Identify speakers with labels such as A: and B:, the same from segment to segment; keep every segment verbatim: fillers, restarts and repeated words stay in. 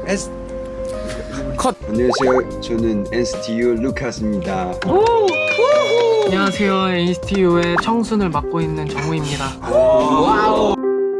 A: S 컷. 안녕하세요. 저는 엔씨티유 루카스입니다.
B: 안녕하세요. 엔씨티유의 청순을 맡고 있는 정우입니다.
A: 와우.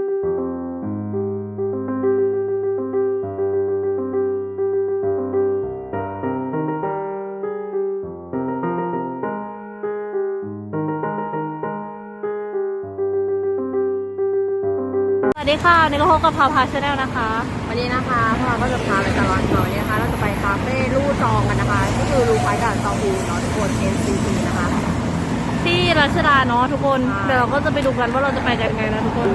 C: สวัสดีค่ะนี่ก็พบกับพาพาชาแนลนะคะวันนี้นะคะพวกเราก็จะพาไปตลอดเขาเนี่ยนะคะเราจะไปคาเฟ่ลู่จองกันนะคะก็คือลู่ไฟด่านซองอูเนาะทุกคน เอ็น ซี ที นะคะที่รัชดาเนาะทุกคนเดี๋ยวเราก็จะไปดูกันว่าเราจะไปกันยังไงนะทุกคน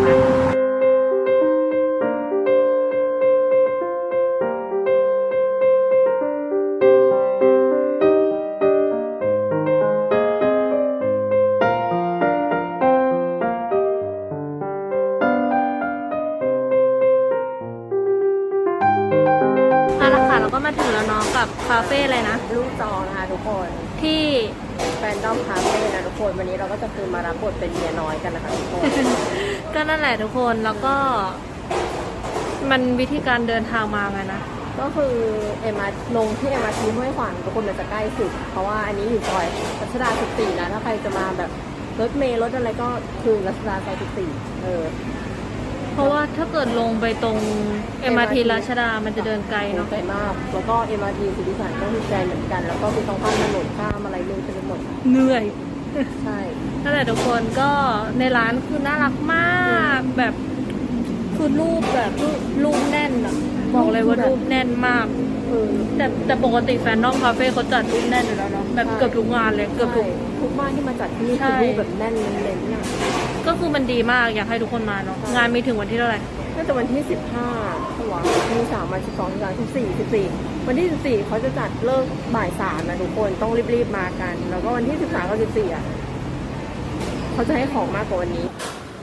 C: ก็มาถึงแล้วเนาะกับคาเฟ่อะไรนะลู่จองนะคะทุกคนที่แฟนดอมคาเฟ่นะทุกคนวันนี้เราก็จะคือมารับบทเป็นเมียน้อยกันนะคะทุกคน ก็นั่นแหละทุกคนแล้วก็มันวิธีการเดินทางมาไงนะก็คือเอ็มอาร์ลงที่เอ็มอาร์ทีห้วยขวางทุกคนมันจะใกล้สุดเพราะว่าอันนี้อยู่ซอยรัชดาสิบสี่นะถ้าใครจะมาแบบรถเมล์รถอะไรก็คือรัชดาซอยสิบสี่เออเพราะว่าถ้าเกิดลงไปตรง เอ็ม อาร์ ที รัชดามันจะเดินไกลเนาะไกลมากแล้วก็ เอ็ม อาร์ ที สุทธิสารก็คือไกลเหมือนกันแล้วก็คือต้องข้ามถนนข้ามอะไรเลยไปหมดเหนื่อยใช่นั่นแหละทุกคนก็ในร้านคือน่ารักมากแบบคือรูปแบบรูปแน่นอะบอกเลยว่ารูปแน่นมากแต่แต่ปกติแฟนนอมคาเฟ่เขาจัดรูปแน่นอยู่แล้วเนาะแบบเกือบทุกงานเลยเกือบทุกทุกบ้านที่มาจัดที่นี่คือรูปแบบแน่นเน้นๆก็คือมันดีมากอยากให้ทุกคนมาเนาะงานมีถึงวันที่เท่าไหร่น่าจะวันที่สิบห้าตัวมีสามวันสิบสองสิบสามสิบสี่สิบสี่วันที่สิบสี่เขาจะจัดเลิกบ่ายสามนะทุกคนต้องรีบๆมากันแล้วก็วันที่สิบสามกับสิบสี่อ่ะเขาจะให้ของมากกว่าวันนี้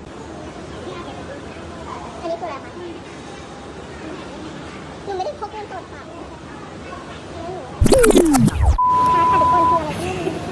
D: อันนี้คืออะไรคะหนูไม่ได้พกเงินสดค่ะค่ะค่ะทุกคนคืออะไรที่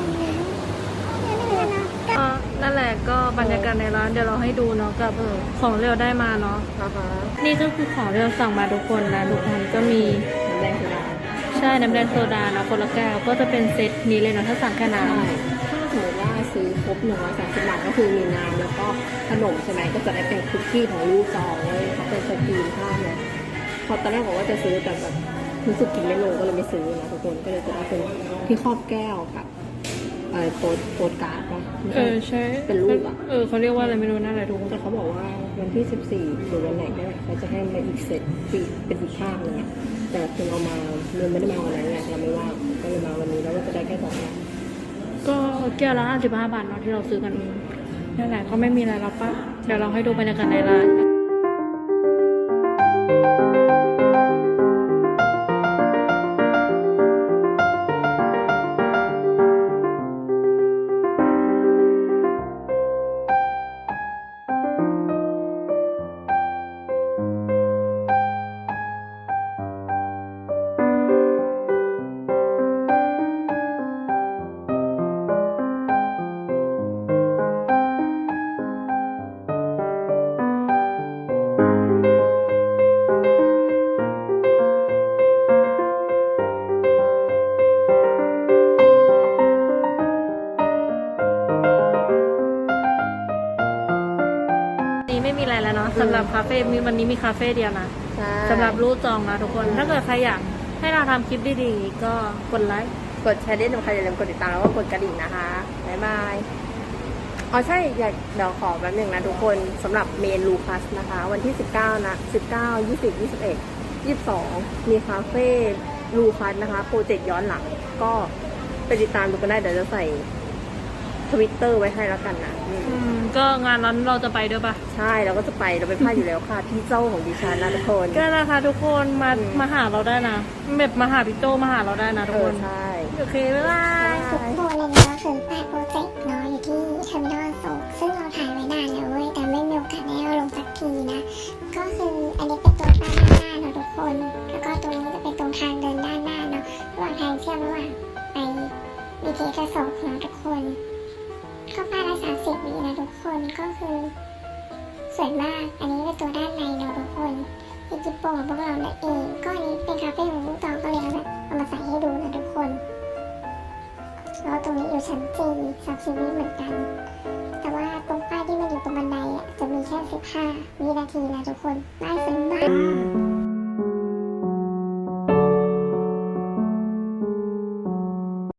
D: ไม่รู้นะ
C: นั่นแหละก็บรรยากาศในร้านเดี๋ยวเราให้ดูเนาะกับของเรียวได้มาเนาะนี่ก็คือของเรียวสั่งมาทุกคนนะทุกคนก็มีน้ำแดงโซดาใช่น้ำแดงโซดาเนาะคนละแก้วก็จะเป็นเซตนี้เลยเนาะถ้าสั่งแค่น้ำถ้าสมมติว่าซื้อครบหนึ่งร้อยสามสิบบาทก็คือมีน้ำแล้วก็ขนมใช่ไหมก็จะได้เป็นคุกกี้ของลูกจองเลยเขาเป็นสกรีนข้าวเนี่ยพอตอนแรกบอกว่าจะซื้อแต่แบบรู้สึกกินไม่ลงก็เลยไม่ซื้อนะทุกคนก็เลยจะได้เป็นที่ครอบแก้วกับเออโปรโปรการ์ดป่ะเออใช่เป็นรูปอ่ะเออเขาเรียกว่าอะไรไม่รู้นั่นแหละทุกคนแต่เขาบอกว่าวันที่สิบสี่หรือวันไหนเนี่ยเขาจะให้มาอีกเซตปีเป็นอีกภาพนึงอ่ะแต่คุณเอามาเงินไม่ได้มาวันนั้นไงเราไม่ว่างก็เลยมาวันนี้แล้วก็จะได้แค่สองอย่างก็แก้วละห้าสิบห้าบาทเนาะที่เราซื้อกันนั่นแหละก็ไม่มีอะไรแล้วป่ะเดี๋ยวเราให้ดูบรรยากาศในร้านไม่มีอะไรแล้วเนาะสำหรับคาเฟ่มีวันนี้มีคาเฟ่เดียวนะสำหรับรูปจองนะทุกคนถ้าเกิดใครอยากให้เราทำคลิปดีๆก็กดไลค์กดแชร์ด้วยนะใครอย่าลืมกดติดตามแล้วก็กดกระดิ่งนะคะบ๊ายบายอ๋อใช่อยากเดี๋ยวขอแป๊บนึงนะทุกคนสำหรับเมนลูคัสนะคะวันที่สิบเก้านะสิบเก้า ยี่สิบ ยี่สิบเอ็ด ยี่สิบสองมีคาเฟ่ลูคัสนะคะโปรเจกต์ย้อนหลังก็ไปติดตามดูกันได้เดี๋ยวจะใส่ทวิตเตอร์ไว้ให้แล้วกันนะก็งานนั้นเราจะไปด้วยปะใช่เราก็จะไปเราไปพลาดอยู่แล้วค่ะพี่เจ้าของดิฉันนะทุกคนก็นะคะทุกคนมามาหาเราได้นะแบบมาหาพี่โจมาหาเราได้นะทุกคนใช่โอเคบ๊ายบาย
D: ทุกคนเลยนะคือแปดโปรเจกต์เนาะอยู่ที่เทอร์มินอลโซซึ่งเราถ่ายไว้นานแล้วเว้ยแต่ไม่มีโอกาสได้เอาลงสักทีนะก็คืออันนี้เป็นตัวป้ายด้านหน้าเนาะทุกคนแล้วก็ตรงนี้จะเป็นตรงทางเดินด้านหน้าเนาะระหว่างทางเชื่อมระหว่างไปวิธีกระสอบของทุกคนเข้าป้ายละสามสิบวินะทุกคนก็คือสวยมากอันนี้เป็นตัวด้านในเนาะทุกคนที่จิ๊บโป่งของพวกเราเนี่ยเองก็อันนี้เป็นคาเฟ่ของลูกจองก็เลยเอาแบบเอามาใส่ให้ดูนะทุกคนแล้วตรงนี้อยู่ชั้นจีซับซิวีเหมือนกันแต่ว่าตรงป้ายที่มันอยู่ตรงบันไดอ่ะจะมีแค่สิบห้าวินาทีนะทุกคนป้ายสวยมาก